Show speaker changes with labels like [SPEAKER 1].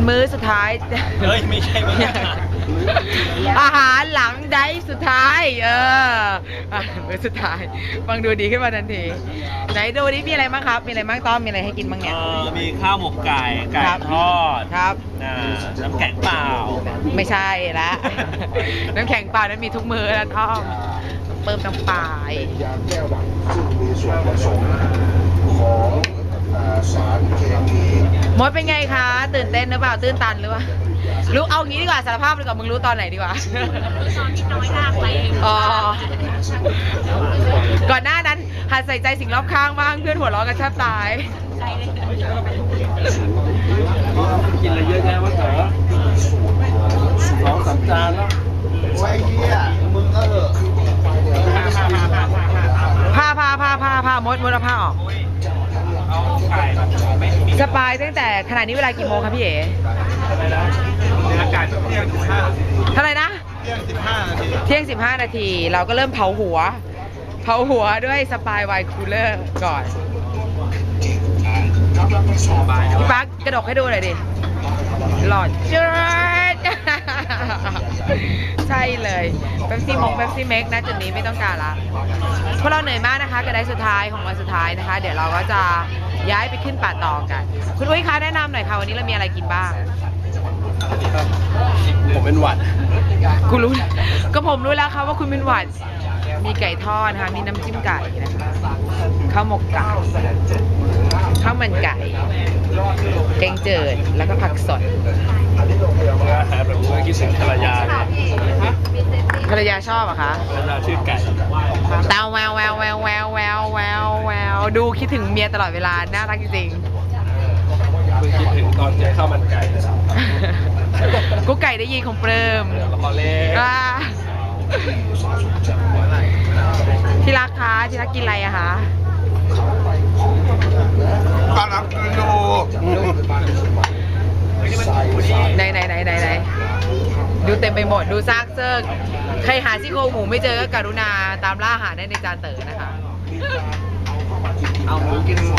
[SPEAKER 1] มื้อสุดท้าย
[SPEAKER 2] เฮ้ยไม่ใช่ไม่ใช่
[SPEAKER 1] อาหารหลังไดฟ์สุดท้ายมื้อสุดท้ายฟังดูดีขึ้นมาทันทีไหนดูนี่มีอะไรบ้างครับมีอะไรบ้างต้อมมีอะไรให้กินบ้างเนี่ย
[SPEAKER 2] มีข้าวหมกไก่ทอด
[SPEAKER 1] ครับ
[SPEAKER 2] น้ำแข็งเปล่า
[SPEAKER 1] ไม่ใช่ละน้ำแข็งเปล่านั้นมีทุกมื้อแล้วต้อมเติมน้ำปลา
[SPEAKER 3] มีส่วนผสมของสารเคมี
[SPEAKER 1] มดเป็นไงคะตื่นเต้นหรือเปล่าตื่นตันหรือเปล่ารู้เอางี้ดีกว่าสารภาพดีกว่ามึงรู้ตอนไหนดีกว่าตอนที่น้อยมากไปอ๋อก่อนหน้านั้นหัดใส่ใจสิ่งรอบข้างบ้างเพื่อนหัวเราะกันแทบตาย
[SPEAKER 2] กินอะไรเยอะแยะวะเถอะ2-3 จานแล้ว
[SPEAKER 3] ไอ้เหี้ยมึงก็เหอะ
[SPEAKER 1] ผ้ามดเอาผ้าออกสปายตั้งแต่ขณะนี้เวลากี่โมงครับพี่เอ๋
[SPEAKER 2] อากาศเที่ยง15
[SPEAKER 1] เท่าไหร่นะเที่ยง15 นาทีเราก็เริ่มเผาหัวด้วยสปายไวน์คูลเลอร์ก่อนพี่ปั๊กกระดกให้ดูหน่อยดิหลอดเจิดใช่เลยเป๊ปซี่เมกนะจุดนี้ไม่ต้องการละเพราะเราเหนื่อยมากนะคะกระไดสุดท้ายของวันสุดท้ายนะคะเดี๋ยวเราก็จะย้ายไปขึ้นป่าตองกันคุณอุ้ยคะแนะนำหน่อยค่ะวันนี้เรามีอะไรกินบ้าง
[SPEAKER 2] ผมเป็นหวัด
[SPEAKER 1] กูรู้ก็ผมรู้แล้วค่ะว่าคุณเป็นหวัดมีไก่ทอดนะคะมีน้ำจิ้มไก่นะคะข้าวหมกไก่ข้าวมันไก่แกงเจิดแล้วก็ผักสด
[SPEAKER 2] อาหารแบบนี้คิดถึงภรรยาเลย
[SPEAKER 1] ภรรยาชอบอะคะ
[SPEAKER 2] ภรรยาชื่อไก่
[SPEAKER 1] ตาแววดูคิดถึงเมียตลอดเวลาน่ารักจริง
[SPEAKER 2] ๆคิดถึงตอนเจอข้าวมันไก่
[SPEAKER 1] กุ๊กไก่ได้ยินของเปริมที่รักคะที่รักกินอะไรอะคะ
[SPEAKER 3] กำลังกินอยู่
[SPEAKER 1] ไหนดูเต็มไปหมดดูซากเซิร์กใครหาซี่โครงหมูไม่เจอก็กรุณาตามล่าหาได้ในจานเต๋อนะคะ
[SPEAKER 2] เอาหมูกิน